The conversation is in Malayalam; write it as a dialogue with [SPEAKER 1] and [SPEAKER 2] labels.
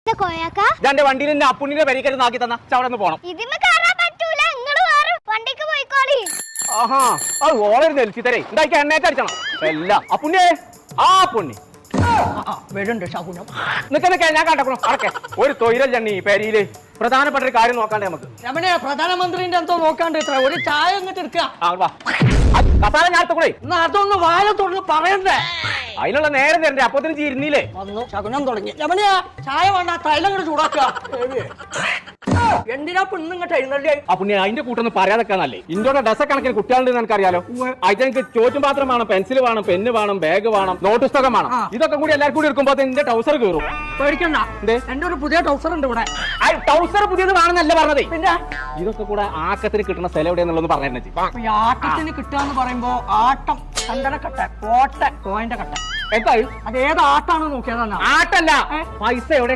[SPEAKER 1] എന്റെ വണ്ടിയിൽ അപ്പുണ്ണിന്റെ പരിക്കരുന്ന് ആക്കി തന്ന അവിടെ നിന്ന് പോണം. ആഹാ അത് ഓളൊരു നെൽച്ചി തരേ എന്താ എണ്ണയൊക്കെ അടിച്ചണം എല്ല അപ്പുണ്ണിയേ ആ പുണ്ണി
[SPEAKER 2] വരുന്നുണ്ട് ശകുനം.
[SPEAKER 1] നിൽക്കുന്നൊക്കെ ഞാൻ കണ്ടക്കണം അടക്കെ ഒരു തൊഴിൽ ജണ്ണി പേരിയില് പ്രധാനപ്പെട്ട ഒരു കാര്യം നോക്കാണ്ടേ നമുക്ക്.
[SPEAKER 2] രമണേ പ്രധാനമന്ത്രിന്റെ എന്തോ നോക്കാണ്ട് ഇത്ര ഒരു ചായ അങ്ങോട്ട് എടുക്കുക.
[SPEAKER 1] കസാല ഞാൻ കൂടെ
[SPEAKER 2] എന്നാ അതൊന്ന് വായ തുറന്ന് പറയണ്ടേ.
[SPEAKER 1] അതിനുള്ള നേരം തരണ്ടേ അപ്പത്തിന് ചീരുന്നില്ലേ
[SPEAKER 2] വന്നു ശകുനം തുടങ്ങി. രമണിയാ ചായ വേണ്ട തൈലം കൂടെ ചൂടാക്കുക. എന്തിനാ പെണ്ണ് ഇങ്ങോട്ട് എഴുന്നള്ളി?
[SPEAKER 1] ആ പുണ്യ അതിന്റെ കൂട്ടൊന്നും പറയാതൊക്കെയാണല്ലേ. ഇന്ത്യയുടെ ഡസക്കണക്കിന് കുട്ടികളുണ്ടെന്ന് എനിക്കറിയാലോ. അതിനെനിക്ക് ചോറ്റും പാത്രം വേണം, പെൻസിൽ വേണം, പെന്ന് വേണം, ബാഗ് വേണം, നോട്ട് പുസ്തകം വേണം. ഇതൊക്കെ കൂടി എല്ലാവർക്കും കൂടി എടുക്കുമ്പോ എന്റെ ടൗസർ കയറും.
[SPEAKER 2] പേടിക്കണ്ട, എന്റെ ഒരു പുതിയ ടൗസർ ഉണ്ട് ഇവിടെ.
[SPEAKER 1] ടൗസർ പുതിയത് വേണമെന്നല്ല പറഞ്ഞതേ. പിന്നെ ഇതൊക്കെ കൂടെ ആക്കത്തിന് കിട്ടുന്ന സ്ഥലം എവിടെയാന്നുള്ളത് പറഞ്ഞു.
[SPEAKER 2] ഈ ആട്ടത്തിന് കിട്ടാന്ന് പറയുമ്പോ ആട്ടം ചന്ദനക്കട്ട കോട്ട കോയിന്റെ കട്ട
[SPEAKER 1] എന്താ
[SPEAKER 2] അത് ഏത് ആട്ടാണ് നോക്കിയതാണ്.
[SPEAKER 1] ആട്ടല്ല പൈസ എവിടെ